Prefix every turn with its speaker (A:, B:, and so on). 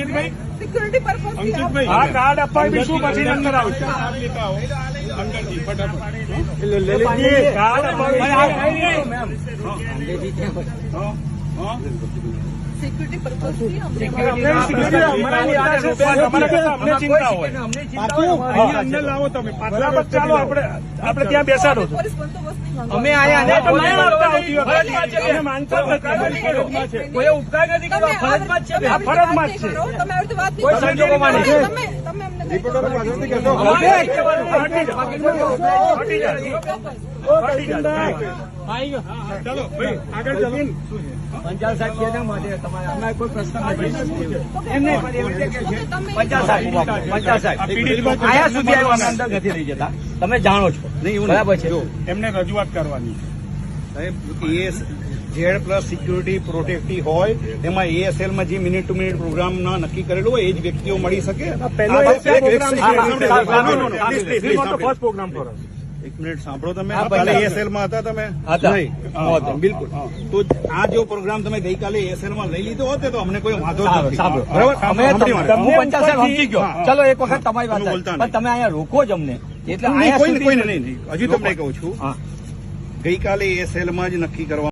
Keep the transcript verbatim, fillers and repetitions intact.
A: અંકિતભાઈ
B: security purpose
A: અંકિતભાઈ આ card અપાવી શું પછી અંદર આવશે અંદરથી ફટાફટ કાર્ડ અપાવી
B: સિક્યુરિટી પર્પઝ
A: ચિંતા હોય અંદર લાવો તમે બરાબર ચાલો આપણે આપણે ત્યાં બેસાડો છો
C: અમે આયા
A: માનતા
C: કોઈ ઉપકાર નથી કર્યો, ફરજમાં જ છે,
A: ફરજમાં જ છે.
B: તમે આવી રીતે વાત નહીં
C: કોઈ
B: કરો.
C: સંજોગોમાં નહીં.
B: તમે તમે અમને
A: હટી જાય. ચાલો ભાઈ આગળ ચાલો.
C: પંચાલ સાહેબ કેના માટે તમારે અમારે કોઈ પ્રશ્ન નથી. એમને પંચાલ સાહેબ પંચાલ સાહેબ આયા સુધી આવ્યો અમે અંદર નથી લઈ જતા, તમે જાણો છો બરાબર છે.
A: એમને રજૂઆત કરવાની
D: સાહેબ ઝેડ પ્લસ સિક્યુરિટી પ્રોટેક્ટિવ હોય તેમાં એએસએલ માં જે મિનિટ ટુ મિનિટ પ્રોગ્રામ ના નક્કી કરેલું હોય એ જ વ્યક્તિઓ મળી શકે. એક મિનિટ સાંભળો, તમે કાલે એએસએલ માં હતા તમે નહીં? બિલકુલ. તો આ જો પ્રોગ્રામ તમે ગઈકાલે એએસએલ માં લઈ લીધો હોત તો અમને કોઈ વાંધો નથી.
C: બરાબર, અમે હું પંચાલ સાહેબ સમજી ગયો. ચલો એક વખત તમારી વાત
D: બોલતા
C: પણ તમે અહીંયા રોકો જ અમને એટલે
D: કોઈને કોઈને નહીં, હજી તમને કહું છું ગઈકાલે એએસએલ માં જ નક્કી કરવા